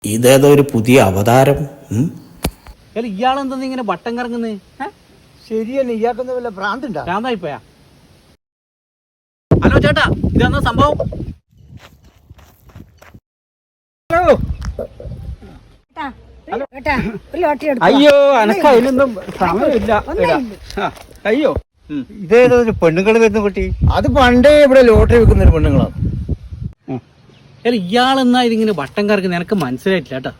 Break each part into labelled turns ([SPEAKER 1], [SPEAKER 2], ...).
[SPEAKER 1] ഇതേതോ ഒരു പുതിയ അവതാരം.
[SPEAKER 2] ഇയാളെന്താ ഇങ്ങനെ വട്ടം കറങ്ങുന്നേ?
[SPEAKER 3] ശരിയല്ലേ, ഇയാൾക്കൊന്നും വല്ല ഭ്രാന്തുണ്ടോ?
[SPEAKER 2] ഭ്രാന്തായിപ്പോയാ? ഹലോ ചേട്ടാ, ഇതെന്നാ സംഭവം?
[SPEAKER 3] അയ്യോ, എനക്ക് അതിനൊന്നും സമയമില്ല. അയ്യോ, ഇതേതോ ഒരു പെണ്ണുങ്ങൾ വരുന്ന കുട്ടി. അത് പണ്ടേ ഇവിടെ ലോട്ടറി വെക്കുന്ന ഒരു പെണ്ണുങ്ങളാണ്.
[SPEAKER 2] ഇയാളെന്നാ ഇതിങ്ങനെ വട്ടം കറങ്ങുന്നത്? എനക്ക് മനസ്സിലായിട്ടില്ല കേട്ടാ.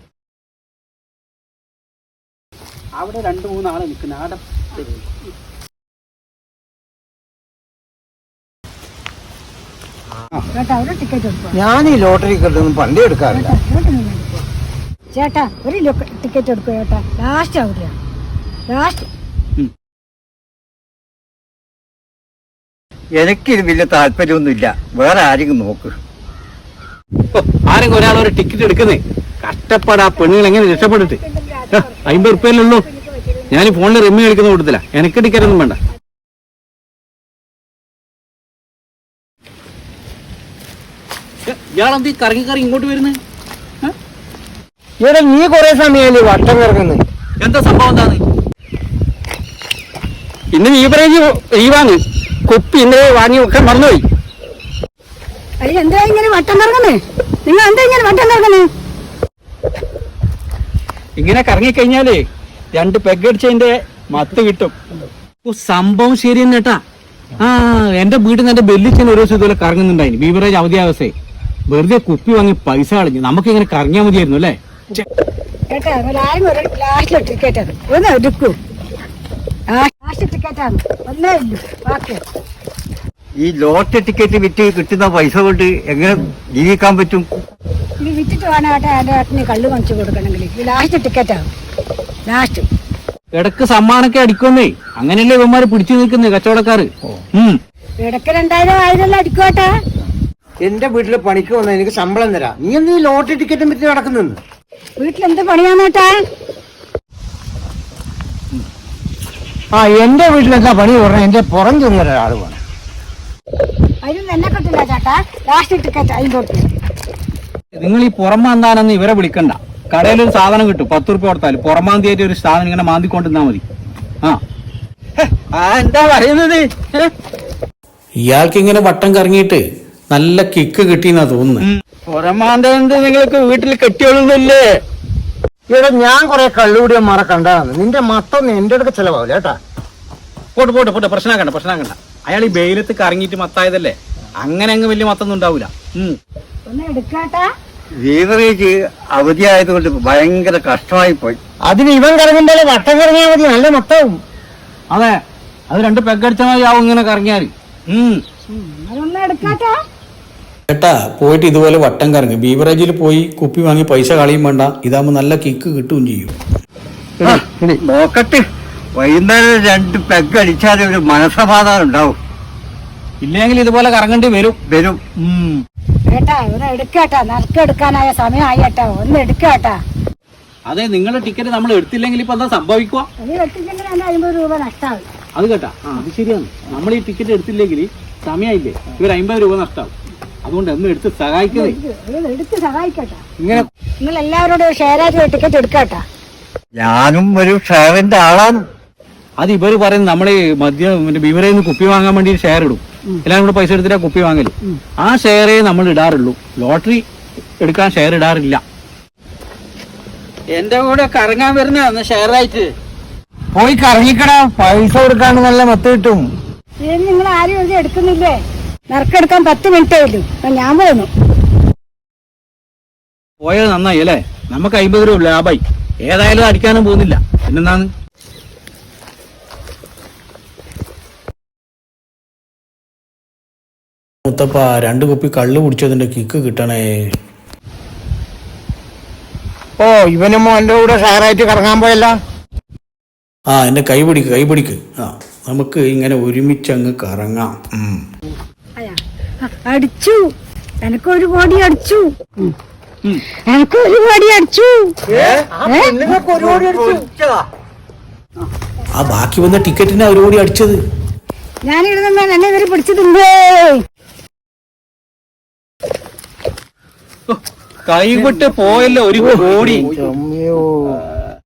[SPEAKER 2] അവിടെ 2-3 ആളെ നിൽക്കുന്ന ആടെ.
[SPEAKER 3] ഞാൻ ഈ ലോട്ടറി കിട്ടുന്നു പണ്ടേ എടുക്കാറില്ല.
[SPEAKER 4] ചേട്ടാ ഒരു ടിക്കറ്റ് എടുക്കും ചേട്ടാ. ലാസ്റ്റ് അവിടെയാ, ലാസ്റ്റ്.
[SPEAKER 3] എനിക്കിത് വലിയ താല്പര്യമൊന്നുമില്ല. വേറെ ആരെങ്കിലും നോക്ക്.
[SPEAKER 2] ആരെങ്കിലും ഒരാളൊരു ടിക്കറ്റ് എടുക്കുന്നേ. കഷ്ടപ്പാട് ആ പെണ്ണുങ്ങൾ എങ്ങനെ രക്ഷപ്പെട്ടിട്ട്. 50 ഉറുപ്പ്യല്ലേ ഉള്ളൂ. ഞാൻ ഫോണിൽ റിമ്മി കളിക്കുന്ന കൂട്ടത്തില്ല. എനിക്ക് ടിക്കറ്റ് ഒന്നും വേണ്ട. ഇയാളെന്ത് കറങ്ങി കറങ്ങി ഇങ്ങോട്ട് വരുന്നത്?
[SPEAKER 3] ഇവിടെ നീ കൊറേ സമയമല്ലേ വട്ടം കിറക്കുന്നത്?
[SPEAKER 2] എന്താ സംഭവം? എന്താണ്
[SPEAKER 3] ഇന്ന് ബീവറേജ് ലീവാണ്. കുപ്പി ഇന്നലെ വാങ്ങി ഒക്കെ മറന്നുപോയി.
[SPEAKER 4] എന്താ ഇങ്ങനെ വട്ടം കറങ്ങുന്നേ? നിങ്ങൾ എന്താ ഇങ്ങനെ വട്ടം കറങ്ങുന്നേ?
[SPEAKER 3] ഇങ്ങനെ കറങ്ങിക്കഴിഞ്ഞാലേ 2 പെഗ് അടിച്ചതിന്റെ മത്ത് കിട്ടും.
[SPEAKER 2] സംഭവം ശരി തന്നെ കേട്ടാ. എന്റെ വീട്ടിൽ നിന്ന് എന്റെ ബെല്ലിച്ചൻ ഒരു ദിവസം ഇതുപോലെ കറങ്ങുന്നുണ്ടായിരുന്നു. ബീവറേജ് അവധിയാവസ്ഥയെ വെറുതെ കുപ്പി വാങ്ങി പൈസ കളഞ്ഞു. നമുക്ക് ഇങ്ങനെ കറങ്ങിയാൽ മതിയായിരുന്നു അല്ലേ?
[SPEAKER 3] ഈ ലോട്ടറി ടിക്കറ്റ് വിറ്റ് കിട്ടുന്ന പൈസ കൊണ്ട് എങ്ങനെ ജീവിക്കാൻ പറ്റും?
[SPEAKER 4] ഇത് വിറ്റിട്ട് വേണം കേട്ടാ എന്റെ ഏട്ടന് കള്ള് വാങ്ങിച്ചു കൊടുക്കണമെങ്കിൽ. ലാസ്റ്റ് ടിക്കറ്റാണ്, ലാസ്റ്റ്.
[SPEAKER 2] ഇടക്ക് സമ്മാനൊക്കെ അടിക്കുന്നേ. അങ്ങനെയല്ലേ ഇവന്മാര് പിടിച്ചു നിൽക്കുന്നേ കച്ചവടക്കാര്.
[SPEAKER 4] ഇടക്ക് 2000 അടിക്കോട്ടാ.
[SPEAKER 3] എന്റെ വീട്ടില് പണിക്ക് വന്നാൽ എനിക്ക് ശമ്പളം തരാം. നീ എന്ത് ഈ ലോട്ടറി ടിക്കറ്റും വിറ്റ് നടക്കുന്നു?
[SPEAKER 4] വീട്ടിലെന്ത് പണിയാന്നേട്ടാ?
[SPEAKER 3] എന്റെ വീട്ടിലെന്താ പണി പറഞ്ഞാൽ എന്റെ പുറം ചെന്ന ഒരാൾ വേണം.
[SPEAKER 4] അതിനും എന്നെ കിട്ടില്ല ചേട്ടാ. Last ticket 50.
[SPEAKER 2] നിങ്ങൾ ഈ പുറമാന്താനെന്ന് ഇവരെ വിളിക്കണ്ട. കടയിലൊരു സാധനം കിട്ടും, 10 ഉറുപ്പ്യ കൊടുത്താൽ പുറമാന്തിയായിട്ട് ഒരു സാധനം ഇങ്ങനെ മാന്തിക്കൊണ്ടിരുന്നാ മതി.
[SPEAKER 3] എന്താ പറയുന്നത്?
[SPEAKER 1] ഇയാൾക്ക് ഇങ്ങനെ വട്ടം കറങ്ങിയിട്ട് നല്ല കിക്ക് കിട്ടിയെന്നാ തോന്നുന്നു.
[SPEAKER 3] പുറമാന്ത് നിങ്ങൾക്ക് വീട്ടിൽ കെട്ടിയോളുന്നില്ലേ? ഇവിടെ ഞാൻ കൊറേ കള്ളുകൂടിയ മറ കണ്ടാണ്. നിന്റെ മത്തൊന്നും എന്റെ അടുക്ക ചെലവാവില്ല കേട്ടാ.
[SPEAKER 2] പോട്ടെ പ്രശ്നമാക്കണ്ട. അയാൾ ഈ വെയിലത്ത് കറങ്ങിയിട്ട് മത്തായതല്ലേ. അങ്ങനെ അങ്ങ് വലിയ മത്തൊന്നും ഉണ്ടാവൂല.
[SPEAKER 3] ബീവറേജ് അവധിയായതുകൊണ്ട് ഭയങ്കര കഷ്ടമായി പോയി. അതിന് ഇവൻ കറങ്ങുമ്പോൾ വട്ടം കറങ്ങിയാൽ മതി, നല്ല മൊത്തവും.
[SPEAKER 2] അതെ, അത് 2 പെഗ് അടിച്ചാൽ മതി ആവും ഇങ്ങനെ കറങ്ങിയാൽ.
[SPEAKER 1] ചേട്ടാ പോയിട്ട് ഇതുപോലെ വട്ടം കറങ്ങി ബീവറേജിൽ പോയി കുപ്പി വാങ്ങി പൈസ കളയും വേണ്ട. ഇതാകുമ്പോ നല്ല കിക്ക് കിട്ടുകയും ചെയ്യും.
[SPEAKER 3] നോക്കട്ടെ, വൈകുന്നേരം 2 പെഗ് അടിച്ചാൽ ഒരു മനസ്സമാധാനം ഉണ്ടാവും.
[SPEAKER 2] ഇല്ലെങ്കിൽ ഇതുപോലെ കറങ്ങേണ്ടി വരും.
[SPEAKER 4] ഏട്ടാ ഒന്ന് എടുക്കാട്ടാ, നറുക്കെടുക്കാനായ സമയമായി ഏട്ടാ, ഒന്ന് എടുക്കാട്ടാ.
[SPEAKER 2] അതെ, നിങ്ങളുടെ ടിക്കറ്റ് നമ്മൾ എടുത്തില്ലെങ്കിൽ ഇപ്പൊ എന്താ സംഭവിക്കുക?
[SPEAKER 4] നീ എടുത്തില്ലെങ്കിൽ 50 രൂപ നഷ്ടമാവും.
[SPEAKER 2] അത് കേട്ടാ, അത് ശരിയാണ്. നമ്മൾ ഈ ടിക്കറ്റ് എടുത്തില്ലെങ്കിൽ സമയമില്ലേ, ഇവർ 50 രൂപ നഷ്ടമാവും. അതുകൊണ്ട് ഒന്ന് എടുത്ത് സഹായിക്കണേ.
[SPEAKER 4] എടുത്ത് സഹായിക്കട്ടാ. നിങ്ങൾ എല്ലാവരോടും ഷെയർ ആയിട്ട് ടിക്കറ്റ് എടുക്കാട്ടാ.
[SPEAKER 3] ഞാനും ഒരു ഷെയറിന്റെ ആളാണ്.
[SPEAKER 2] അത് ഇവര് പറയുന്നത് നമ്മള് ബീവറേജിൽ നിന്ന് കുപ്പി വാങ്ങാൻ വേണ്ടി ഷെയർ ഇടും. എല്ലാവരും കൂടെ പൈസ എടുത്തിട്ടാ കുപ്പി വാങ്ങല്. ആ ഷെയറേ നമ്മൾ ഇടാറുള്ളൂ. ലോട്ടറി എടുക്കാൻ ഷെയർ ഇടാറില്ല.
[SPEAKER 3] എന്റെ കൂടെ കറങ്ങാൻ വരുന്ന ഷെയർ ആയിട്ട് പോയി കറങ്ങിക്കടാ. പൈസ കൊടുക്കാണ്ട് നല്ല മത്ത് കിട്ടും.
[SPEAKER 4] നിങ്ങൾ ആരും ഇത് എടുക്കുന്നില്ലേ? നറുക്കെടുക്കാൻ 10 മിനിറ്റേ ഉള്ളൂ. ഞാൻ പോന്നു.
[SPEAKER 2] പോയത് നന്നായി അല്ലേ? നമുക്ക് 50 രൂപ ലാഭായി. ഏതായാലും അടിക്കാനും പോകുന്നില്ല. പിന്നെന്താണ്?
[SPEAKER 1] മുത്തപ്പ 2 കുപ്പി കള്ള് കുടിച്ചതിന്റെ കിക്ക് കിട്ടണേ.
[SPEAKER 3] ഇവനും എന്റെ കൂടെ ഷെയറായിട്ട് കറങ്ങാൻ പോയല്ല.
[SPEAKER 1] എന്റെ കൈ പിടിക്ക്. നമുക്ക് ഇങ്ങനെ ഒരുമിച്ചങ്ങ് കറങ്ങാം.
[SPEAKER 4] അടിച്ചു, എനക്കൊരു കോടി അടിച്ചു.
[SPEAKER 1] ബാക്കി വന്ന ടിക്കറ്റിന് അവർ കൂടി അടിച്ചത്.
[SPEAKER 4] ഞാനിടുന്ന എന്നെ ഇവര് പിടിച്ചിട്ടുണ്ട്.
[SPEAKER 2] കൈവിട്ട് പോയല്ലോ 1 കോടി.
[SPEAKER 3] ചമ്മയോ